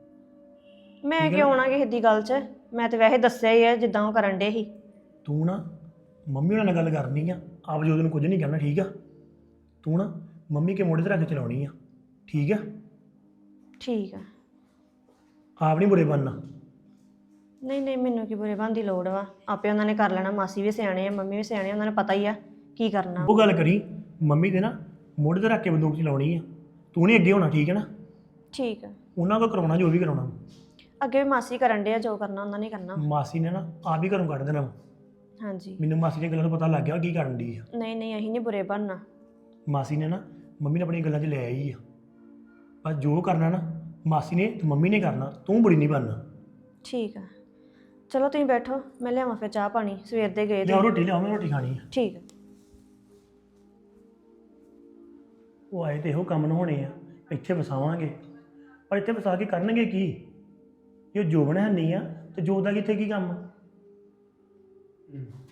[SPEAKER 8] ਮੈਂ ਕਿਉਂ ਆਉਣਾ ਕਿਸੇ ਦੀ ਗੱਲ 'ਚ? ਮੈਂ ਤੇ ਵੈਸੇ ਦੱਸਿਆ ਹੀ ਆ ਜਿੱਦਾਂ ਉਹ ਕਰਨ ਡੇ ਸੀ।
[SPEAKER 9] ਤੂੰ ਨਾ ਮੰਮੀ ਉਹਨਾਂ ਨਾਲ ਗੱਲ ਕਰਨੀ ਆ, ਆਪ ਜੋ ਉਹਨੂੰ ਕੁਝ ਨਹੀਂ ਕਹਿਣਾ, ਠੀਕ ਆ? ਤੂੰ ਨਾ ਮੰਮੀ ਕੇ ਮੋਢੇ ਤੇ ਰੱਖ ਕੇ ਚਲਾਉਣੀ ਆ, ਠੀਕ ਆ?
[SPEAKER 8] ਠੀਕ ਆ।
[SPEAKER 9] ਆਪ ਨਹੀਂ ਬੁਰੇ ਬਣਨਾ।
[SPEAKER 8] ਨਹੀਂ ਨਹੀਂ, ਮੈਨੂੰ ਕੀ ਬੁਰੇ ਬਣਨ ਦੀ ਲੋੜ ਵਾ, ਆਪੇ ਉਹਨਾਂ ਨੇ ਕਰ ਲੈਣਾ। ਮਾਸੀ ਵੀ ਸਿਆਣੇ ਆ, ਮੰਮੀ ਵੀ ਸਿਆਣੇ ਆ, ਉਹਨਾਂ ਨੂੰ ਪਤਾ ਹੀ ਆ ਕੀ ਕਰਨਾ।
[SPEAKER 9] ਉਹ ਗੱਲ ਕਰੀ, ਮੰਮੀ ਦੇ ਨਾ ਮੋਢੇ ਤੇ ਰੱਖ ਕੇ ਬੰਦੂਕ ਚਲਾਉਣੀ ਆ, ਤੂੰ ਨਹੀਂ ਅੱਗੇ ਹੋਣਾ, ਠੀਕ ਹੈ ਨਾ?
[SPEAKER 8] ਠੀਕ ਆ।
[SPEAKER 9] ਉਹਨਾਂ ਕੋਲ ਕਰਾਉਣਾ ਜੋ ਵੀ ਕਰਾਉਣਾ।
[SPEAKER 8] ਅੱਗੇ ਵੀ ਮਾਸੀ ਕਰਨ ਡੇ ਆ, ਜੋ ਕਰਨਾ ਉਹਨਾਂ ਨੇ ਕਰਨਾ।
[SPEAKER 9] ਮਾਸੀ ਨੇ ਨਾ ਆਪ ਹੀ ਘਰੋਂ ਕੱਢ ਦੇਣਾ।
[SPEAKER 8] ਹਾਂਜੀ।
[SPEAKER 9] ਮੈਨੂੰ ਮਾਸੀ ਦੀਆਂ ਗੱਲਾਂ ਤੋਂ ਪਤਾ ਲੱਗ ਗਿਆ ਕੀ ਕਰਨ ਦੀ ਆ।
[SPEAKER 8] ਨਹੀਂ ਨਹੀਂ, ਅਸੀਂ ਨਹੀਂ ਬੁਰੇ ਬਣਨਾ।
[SPEAKER 9] ਮਾਸੀ ਨੇ ਨਾ ਮੰਮੀ ਨੇ ਆਪਣੀਆਂ ਗੱਲਾਂ 'ਚ ਲੈ ਆਈ ਆ, ਪਰ ਜੋ ਕਰਨਾ ਨਾ ਮਾਸੀ ਨੇ ਤੇ ਮੰਮੀ ਨੇ ਕਰਨਾ, ਤੂੰ ਬੁਰੀ ਨਹੀਂ ਬਣਨਾ।
[SPEAKER 8] ਠੀਕ ਆ, ਚਲੋ ਤੁਸੀਂ ਬੈਠੋ, ਮੈਂ ਲਿਆਵਾਂ ਫਿਰ ਚਾਹ ਪਾਣੀ, ਸਵੇਰ ਦੇ ਗਏ
[SPEAKER 9] ਲਿਆਓ
[SPEAKER 8] ਤੇ।
[SPEAKER 9] ਰੋਟੀ, ਲਿਆਓ, ਮੈਂ ਰੋਟੀ ਖਾਣੀ ਆ।
[SPEAKER 8] ਠੀਕ ਆ।
[SPEAKER 9] ਉਹ ਆਏ ਤੇ ਇਹੋ ਕੰਮ ਨੂੰ ਹੋਣੇ ਆ, ਇੱਥੇ ਵਸਾਵਾਂਗੇ, ਪਰ ਇੱਥੇ ਵਸਾ ਕੇ ਕਰਨਗੇ ਕੀ? ਇਹ ਜੋਬਨ ਹੈ ਨਹੀਂ ਆ ਤੇ ਜੋਤ ਦਾ ਕਿੱਥੇ ਕੀ ਕੰਮ?